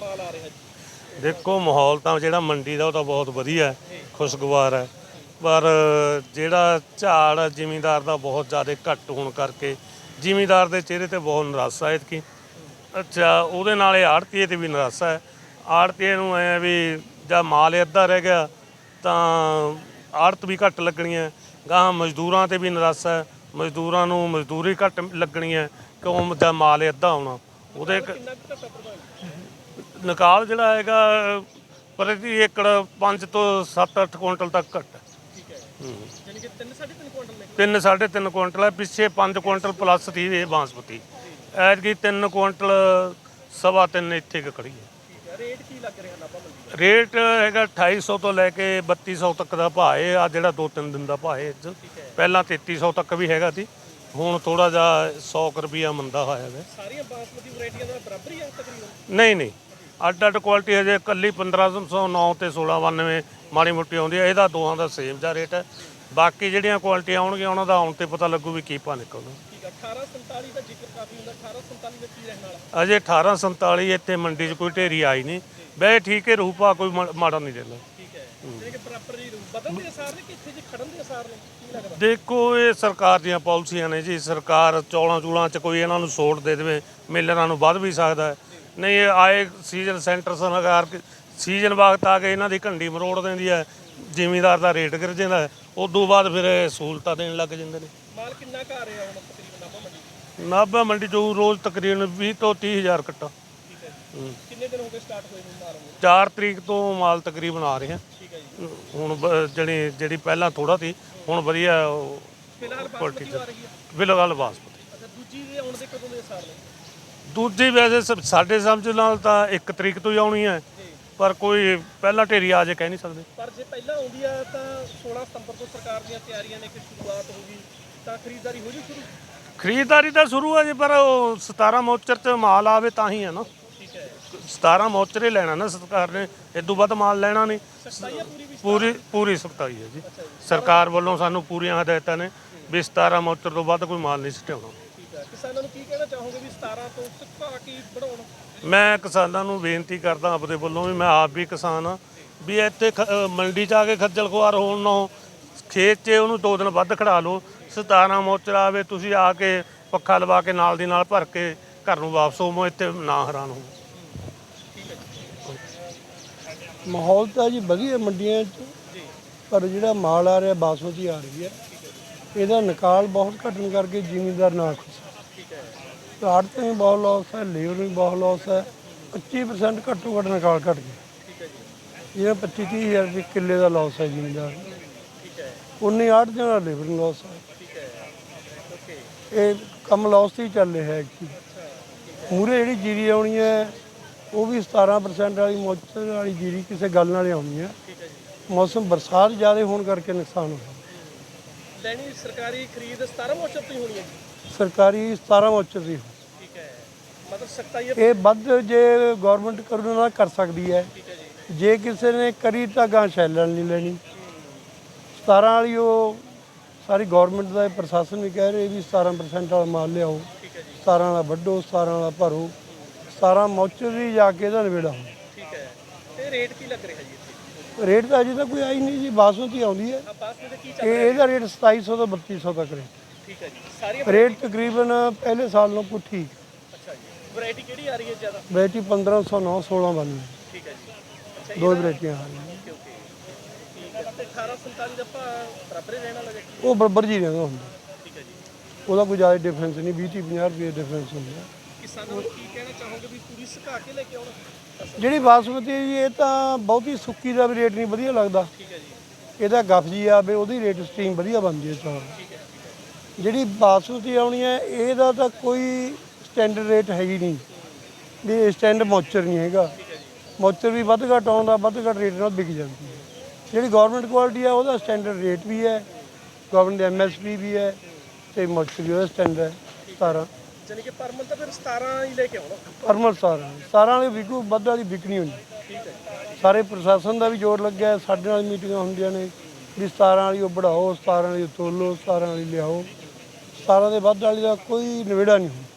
माल आ रहा है? देखो माहौल तो जो मंडी का बहुत वधिया है, खुशगवार है, पर ਜਿਹੜਾ ਝਾੜ ਜ਼ਿਮੀਂਦਾਰ ਦਾ ਬਹੁਤ ਜ਼ਿਆਦਾ ਘੱਟ ਹੋਣ ਕਰਕੇ ਜ਼ਿਮੀਂਦਾਰ ਦੇ ਚਿਹਰੇ ਤੇ ਬਹੁਤ ਨਿਰਾਸ਼ਾ ਹੈ ਕਿ ਅੱਛਾ ਉਹਦੇ ਨਾਲ ਆੜਤੀਏ ਤੇ ਵੀ ਨਿਰਾਸ਼ਾ ਹੈ। ਆੜਤੀਏ ਨੂੰ ਐ ਵੀ ਜਾਂ ਮਾਲ ਅੱਧਾ ਰਹਿ ਗਿਆ ਤਾਂ ਆੜਤ ਵੀ ਘੱਟ ਲੱਗਣੀ ਹੈ, ਗਾਹਾਂ ਮਜ਼ਦੂਰਾਂ ਤੇ ਵੀ ਨਿਰਾਸ਼ਾ ਹੈ, ਮਜ਼ਦੂਰਾਂ ਨੂੰ ਮਜ਼ਦੂਰੀ ਘੱਟ ਲੱਗਣੀ ਹੈ ਕਿਉਂ ਜਾਂ ਮਾਲ ਅੱਧਾ ਆਉਣਾ ਉਹਦੇ ਨਿਕਾਲ ਜਿਹੜਾ ਹੈਗਾ ਪ੍ਰਤੀ ਏਕੜ 5 ਤੋਂ 7-8 ਕੁਇੰਟਲ ਤੱਕ ਘੱਟ ਹੈ। यानी कि 3-3.5 कुंटल ने 3-3.5 ਕੁਇੰਟਲ ਹੈ, ਪਿੱਛੇ 5 ਕੁਇੰਟਲ ਪਲੱਸ ਸੀ ਇਹ ਬਾਸਮਤੀ, ਐਤਕੀ 3 ਕੁਇੰਟਲ 3.25 ਇੱਥੇ ਕੁ ਖੜੀ ਹੈ। ठीक है। रेट की लग रहा नाभा मंडी ਰੇਟ ਹੈਗਾ 2800 ਤੋਂ ਲੈ ਕੇ 3200 ਤੱਕ ਦਾ ਭਾਅ ਹੈ। ਆ ਜਿਹੜਾ 2-3 ਦਿਨ ਦਾ ਭਾਅ ਹੈ ਅੱਜ, ਪਹਿਲਾਂ 3300 ਤੱਕ ਵੀ ਹੈਗਾ ਸੀ, ਹੁਣ ਥੋੜਾ ਜਿਹਾ 100 ਰੁਪਈਆ ਮੰਦਾ ਹੋਇਆ ਹੈ। सारियां बासमती वैरायटियां दा बराबर ही है तकरीबन? ਨਹੀਂ ਅੱਡ ਕੁਆਲਿਟੀ ਹਜੇ ਇਕੱਲੀ 1509 ਤੇ 1692 ਮਾੜੀ ਮੋਟੀ ਆਉਂਦੀ ਹੈ, ਇਹਦਾ ਦੋਹਾਂ ਦਾ ਸੇਮ ਜਿਹਾ ਰੇਟ ਹੈ। ਬਾਕੀ ਜਿਹੜੀਆਂ ਕੁਆਲਿਟੀਆਂ ਆਉਣਗੀਆਂ ਉਹਨਾਂ ਦਾ ਆਉਣ ਤੇ ਪਤਾ ਲੱਗੂ ਵੀ ਕੀ ਭਾਅ ਨਿਕਲਦਾ। ठीक है। 1847 ਦਾ ਜ਼ਿਕਰ ਕਾਫੀ ਹੁੰਦਾ, 1847 ਦਾ ਕੀ ਰਹਿਣ ਵਾਲਾ? ਅਜੇ 1847 ਇੱਥੇ ਮੰਡੀ 'ਚ ਕੋਈ ਢੇਰੀ ਆਈ ਨਹੀਂ, ਵੈਸੇ ਠੀਕ ਹੈ, ਰੂਪਾ ਕੋਈ ਮਾੜਾ ਨਹੀਂ ਰਹਿੰਦਾ। ਠੀਕ ਹੈ। ਜਿਹੜੇ ਕਿ ਬਰਾਬਰ ਜੀ ਬਦਲਣ ਦੇ ਅਸਾਰ ਨੇ ਕਿ ਇੱਥੇ ਜੇ ਖੜਨ ਦੇ ਅਸਾਰ ਨੇ, ਕੀ ਲੱਗਦਾ? ਦੇਖੋ ਇਹ ਸਰਕਾਰ ਦੀਆਂ ਪਾਲਿਸੀਆਂ ਨੇ ਜੀ, ਸਰਕਾਰ ਚੌਲਾਂ ਚੂਲਾਂ 'ਚ ਕੋਈ ਇਹਨਾਂ ਨੂੰ ਛੋਟ ਦੇ ਦੇਵੇ, ਮਿਲਰਾਂ ਨੂੰ ਵੱਧ ਵੀ ਸਕਦਾ ਹੈ, ਨਹੀਂ ਇਹ ਆਏ ਸੀਜ਼ਨ ਸੈਂਟਰ ਸਰਕਾਰ ਸੀਜ਼ਨ ਵਕਤ ਆ ਕੇ ਇਹਨਾਂ ਦੀ ਘੰਡੀ ਮਰੋੜ ਦਿੰਦੀ ਹੈ, ਜ਼ਿਮੀਂਦਾਰ ਦਾ ਰੇਟ ਗਿਰ ਜਾਂਦਾ ਹੈ, ਉਦੋਂ ਬਾਅਦ ਫਿਰ ਇਹ ਸਹੂਲਤਾਂ ਦੇਣ ਲੱਗ ਜਾਂਦੇ ਨੇ। ਮਾਲ ਕਿੰਨਾ ਕੁ ਆ ਰਿਹਾ ਹੁਣ ਤਕਰੀਬਨ ਨਾਭਾ ਮੰਡੀ? ਨਾਭਾ ਮੰਡੀ 'ਚ ਰੋਜ਼ ਤਕਰੀਬਨ 20 ਤੋਂ 30 ਹਜ਼ਾਰ ਕੱਟਾ। ਠੀਕ ਹੈ ਜੀ। ਕਿੰਨੇ ਦਿਨ ਹੋ ਗਏ ਸਟਾਰਟ ਹੋਏ ਨੂੰ ਮਾਲ ਨੂੰ? 4 ਤਰੀਕ ਤੋਂ ਮਾਲ ਤਕਰੀਬਨ ਆ ਰਿਹਾ। ਠੀਕ ਹੈ ਜੀ। ਹੁਣ ਜਿਹੜੀ ਪਹਿਲਾਂ ਥੋੜਾ ਸੀ ਹੁਣ ਵਧੀਆ ਫਿਲਹਾਲ ਬਾਸਮਤੀ ਆ ਰਹੀ ਹੈ? ਬਿਲਕੁਲ ਬਾਸਮਤੀ। ਅੱਛਾ, ਦੂਜੀ ਦੇ ਆਉਣ ਦੇ ਕਦੋਂ ਦੇ ਅਸਾਰ ਨੇ? ਦੂਜੀ ਵੈਸੇ ਸਾਡੇ ਸਮਝ ਨਾਲ ਤਾਂ 1 ਤਰੀਕ ਤੋਂ ਹੀ ਆਉਣੀ ਹੈ, ਪਰ ਕੋਈ ਪਹਿਲਾਂ ਢੇਰੀ ਆ ਜੇ ਕਹਿ ਨਹੀਂ ਸਕਦੇ। ਪਰ ਜੇ ਪਹਿਲਾਂ ਆਉਂਦੀ ਆ ਤਾਂ 16 ਸਤੰਬਰ ਤੋਂ ਸਰਕਾਰ ਦੀਆਂ ਤਿਆਰੀਆਂ ਨੇ ਕਿ ਸ਼ੁਰੂਆਤ ਹੋਊਗੀ ਤਾਂ ਖਰੀਦਦਾਰੀ ਹੋ ਜੂ ਸ਼ੁਰੂ? ਖਰੀਦਦਾਰੀ ਤਾਂ ਸ਼ੁਰੂ ਹੈ ਜੀ, ਪਰ ਉਹ 17 ਮੋਚਰ 'ਚ ਮਾਲ ਆਵੇ ਤਾਂ ਹੀ ਹੈ ਨਾ। ਠੀਕ ਹੈ। 17 ਮੋਚਰ ਹੀ ਲੈਣਾ ਨਾ ਸਰਕਾਰ ਨੇ, ਇਦੋਂ ਵੱਧ ਮਾਲ ਲੈਣਾ ਨਹੀਂ। ਸਖਤਾਈ ਆ ਪੂਰੀ ਵੀ? ਪੂਰੀ ਸਖਤਾਈ ਹੈ ਜੀ, ਸਰਕਾਰ ਵੱਲੋਂ ਸਾਨੂੰ ਪੂਰੀਆਂ ਹਦਾਇਤਾਂ ਨੇ ਵੀ 17 ਮੋਚਰ ਤੋਂ ਵੱਧ ਕੋਈ ਮਾਲ ਨਹੀਂ ਸਟਿਆਉਣਾ। ਠੀਕ ਹੈ। ਕਿਸਾਨਾਂ ਨੂੰ ਕੀ ਕਹਿਣਾ ਚਾਹੋਗੇ ਵੀ 17 ਤੋਂ ਸੁੱਕਾ ਕੀ ਬਣਾਉਣ? ਮੈਂ ਕਿਸਾਨਾਂ ਨੂੰ ਬੇਨਤੀ ਕਰਦਾ ਆਪਦੇ ਵੱਲੋਂ ਵੀ, ਮੈਂ ਆਪ ਵੀ ਕਿਸਾਨ ਹਾਂ, ਵੀ ਇੱਥੇ ਮੰਡੀ 'ਚ ਆ ਕੇ ਖੱਜਲ ਖੁਆਰ ਹੋਣ ਨਾਲੋਂ ਖੇਤ 'ਚ ਉਹਨੂੰ 2 ਦਿਨ ਵੱਧ ਖੜਾ ਲਓ। 17 ਮੋਚਰ ਆਵੇ, ਤੁਸੀਂ ਆ ਕੇ ਪੱਖਾ ਲਵਾ ਕੇ ਨਾਲ ਦੀ ਨਾਲ ਭਰ ਕੇ ਘਰ ਨੂੰ ਵਾਪਸ ਹੋਵੋ, ਇੱਥੇ ਨਾ ਹੈਰਾਨ ਹੋ। ਮਾਹੌਲ ਤਾਂ ਜੀ ਵਧੀਆ ਮੰਡੀਆਂ 'ਚ, ਪਰ ਜਿਹੜਾ ਮਾਲ ਆ ਰਿਹਾ ਬਾਸਮਤੀ ਆ ਰਹੀ ਹੈ, ਇਹਦਾ ਨਿਕਾਲ ਬਹੁਤ ਘਟਣ ਕਰਕੇ ਜ਼ਿਮੀਂਦਾਰ ਨਾ ਖੁਸ਼। ਠੀਕ ਹੈ। ਆੜਤ ਵੀ ਬਹੁਤ ਲੋਸ ਹੈ, ਲੇਬਰ ਵੀ ਬਹੁਤ ਲੋਸ ਹੈ। 25% ਘੱਟੋ ਘੱਟ ਨਿਕਾਲ ਘਟ ਗਿਆ। ਠੀਕ ਹੈ ਜੀ। ਜਿਹੜਾ 25-30 ਹਜ਼ਾਰ ਰੁਪਏ ਕਿੱਲੇ ਦਾ ਲੋਸ ਹੈ ਜ਼ਿਮੀਂਦਾਰ ਨੂੰ, ਠੀਕ ਹੈ। ਉਨੀ ਆੜਤ ਦੇ ਨਾਲ ਲੇਬਰ ਨੂੰ ਲੋਸ ਹੈ। ਠੀਕ ਹੈ। ਓਕੇ। ਇਹ ਕੰਮ ਲੋਸ 'ਤੇ ਹੀ ਚੱਲ ਰਿਹਾ ਹੈ ਕਿ ਮੂਹਰੇ ਜਿਹੜੀ ਜੀਰੀ ਆਉਣੀ ਹੈ ਉਹ ਵੀ 17% ਵਾਲੀ ਮੋਚਰ ਵਾਲੀ ਜੀਰੀ ਕਿਸੇ ਗੱਲ ਨਾਲ ਆਉਣੀ ਹੈ। ਠੀਕ ਹੈ ਜੀ। ਮੌਸਮ ਬਰਸਾਤ ਜ਼ਿਆਦਾ ਹੋਣ ਕਰਕੇ ਨੁਕਸਾਨ ਹੋਇਆ। ਲੈਣੀ ਸਰਕਾਰੀ ਖਰੀਦ 17 ਮੋਚਰ ਤੋਂ ਹੀ ਹੋਣੀ ਹੈ ਜੀ? ਸਰਕਾਰੀ 17 ਮੋਚਰ ਦੀ। ਠੀਕ ਹੈ। ਮਤਲਬ ਸਖਤਾਈ ਇਹ ਵੱਧ ਜੇ ਗਵਰਨਮੈਂਟ ਕਰੂ ਨਾ ਕਰ ਸਕਦੀ ਹੈ, ਠੀਕ ਹੈ ਜੀ। ਜੇ ਕਿਸੇ ਨੇ ਕਰੀ ਤਾਂ ਗਾਂ ਸ਼ੈਲਣ ਨਹੀਂ ਲੈਣੀ। 17 ਵਾਲੀ ਉਹ ਸਾਰੀ ਗਵਰਨਮੈਂਟ ਦਾ ਪ੍ਰਸ਼ਾਸਨ ਵੀ ਕਹਿ ਰਹੇ ਵੀ 17% ਵਾਲਾ ਮਾਲ ਲਿਆਓ, ਠੀਕ ਹੈ ਜੀ। 17 ਵਾਲਾ ਵੱਢੋ, 17 ਵਾਲਾ ਭਰੋ, 17 ਮੋਚਰ ਦੀ ਜਾ ਕੇ ਇਹਦਾ ਨਿਬੇੜਾ ਹੋ। ਠੀਕ ਹੈ। ਤੇ ਰੇਟ ਕੀ ਲੱਗ ਰਿਹਾ ਜੀ ਇੱਥੇ? ਰੇਟ ਤਾਂ ਅਜੇ ਤਾਂ ਕੋਈ ਆਈ ਨਹੀਂ ਜੀ, ਬਾਸਮਤੀ ਆਉਂਦੀ ਹੈ। ਆ ਬਾਸਮਤੀ ਦਾ ਕੀ ਚੱਲ ਇਹ ਇਹਦਾ ਰੇਟ 2700 ਤੋਂ 3200 ਤੱਕ ਰੇਟ। ਠੀਕ ਹੈ ਜੀ। ਸਾਰੀਆਂ ਰੇਟ ਤਕਰੀਬਨ ਪਹਿਲੇ ਸਾਲ ਨਾਲੋਂ ਕੁਛ ਠੀਕ। ਅੱਛਾ ਜੀ। ਵੈਰਾਈਟੀ ਕਿਹੜੀ ਆ ਰਹੀ ਹੈ ਜ਼ਿਆਦਾ? ਵੈਰਾਈਟੀ 1509 1692 ਠੀਕ ਹੈ ਜੀ। ਅੱਛਾ, ਦੋ ਵੈਰਾਈਟੀਆਂ ਆ ਰਹੀਆਂ। Okay okay. ਠੀਕ ਹੈ। ਤੇ 1847 ਦਾ ਭਾਅ ਬਰਾਬਰ ਹੀ ਰਹਿਣ ਵਾਲਾ ਜੀ? ਉਹ ਬਰਾਬਰ ਜੀ ਰਹਿੰਦਾ ਹੁੰਦਾ, ਠੀਕ ਹੈ ਜੀ। ਉਹਦਾ ਕੋਈ ਜ਼ਿਆਦਾ ਡਿਫਰੈਂਸ ਨਹੀਂ, 20-50 ਰੁਪਏ ਡਿਫਰੈਂਸ ਹੁੰਦਾ। ਕਿਸਾਨਾਂ ਨੂੰ ਕੀ ਕਹਿਣਾ ਚਾਹੋਗੇ ਵੀ ਪੂਰੀ ਸੁਕਾ ਕੇ ਲੈ ਕੇ ਆਉਣ? ਜਿਹੜੀ ਬਾਸਮਤੀ ਹੈ ਜੀ, ਇਹ ਤਾਂ ਬਹੁਤੀ ਸੁੱਕੀ ਦਾ ਵੀ ਰੇਟ ਨਹੀਂ ਵਧੀਆ ਲੱਗਦਾ। ਠੀਕ ਹੈ ਜੀ। ਇਹਦਾ ਗੱਫ ਜੀ ਆਵੇ ਉਹਦੀ ਰੇਟ ਸਟੀਮ ਵਧੀਆ ਬਣਦੀ ਹੈ ਚੌਲ। ਠੀਕ ਹੈ। ਜਿਹੜੀ ਬਾਸਮਤੀ ਆਉਣੀ ਹੈ ਇਹਦਾ ਤਾਂ ਕੋਈ ਸਟੈਂਡਰਡ ਰੇਟ ਹੈ ਹੀ ਨਹੀਂ, ਵੀ ਸਟੈਂਡ ਮੋਚਰ ਨਹੀਂ ਹੈਗਾ। ਮੋਚਰ ਵੀ ਵੱਧ ਘੱਟ ਆਉਂਦਾ, ਵੱਧ ਘੱਟ ਰੇਟ ਨਾਲ ਵਿਕ ਜਾਂਦੀ ਹੈ। ਜਿਹੜੀ ਗਵਰਨਮੈਂਟ ਕੁਆਲਿਟੀ ਆ ਉਹਦਾ ਸਟੈਂਡਰਡ ਰੇਟ ਵੀ ਹੈ, ਗਵਰਨਮੈਂਟ ਦੀ MSP ਵੀ ਹੈ, ਤੇ ਮੋਚਰ ਵੀ ਉਹਦਾ ਸਟੈਂਡਰਡ ਹੈ 17। ਜਾਨੀ ਕਿ ਪਰਮਲ ਤਾਂ ਫਿਰ 17 ਹੀ ਲੈ ਕੇ ਆਉਣਾ? ਪਰਮਲ 17 ਵਾਲੀ ਵਿਕੂ, ਵੱਧ ਵਾਲੀ ਵਿਕਣੀ ਹੁੰਦੀ। ਠੀਕ ਹੈ। ਸਾਰੇ ਪ੍ਰਸ਼ਾਸਨ ਦਾ ਵੀ ਜ਼ੋਰ ਲੱਗਿਆ, ਸਾਡੇ ਨਾਲ ਮੀਟਿੰਗਾਂ ਹੁੰਦੀਆਂ ਨੇ ਵੀ 17 ਵਾਲੀ ਉਹ ਵਧਾਓ, 17 ਵਾਲੀ ਤੋਲੋ, 17 ਵਾਲੀ ਲਿਆਓ। 17 ਦੇ ਵੱਧ ਵਾਲੀ ਦਾ ਕੋਈ ਨਿਬੇੜਾ ਨਹੀਂ ਹੁੰਦਾ।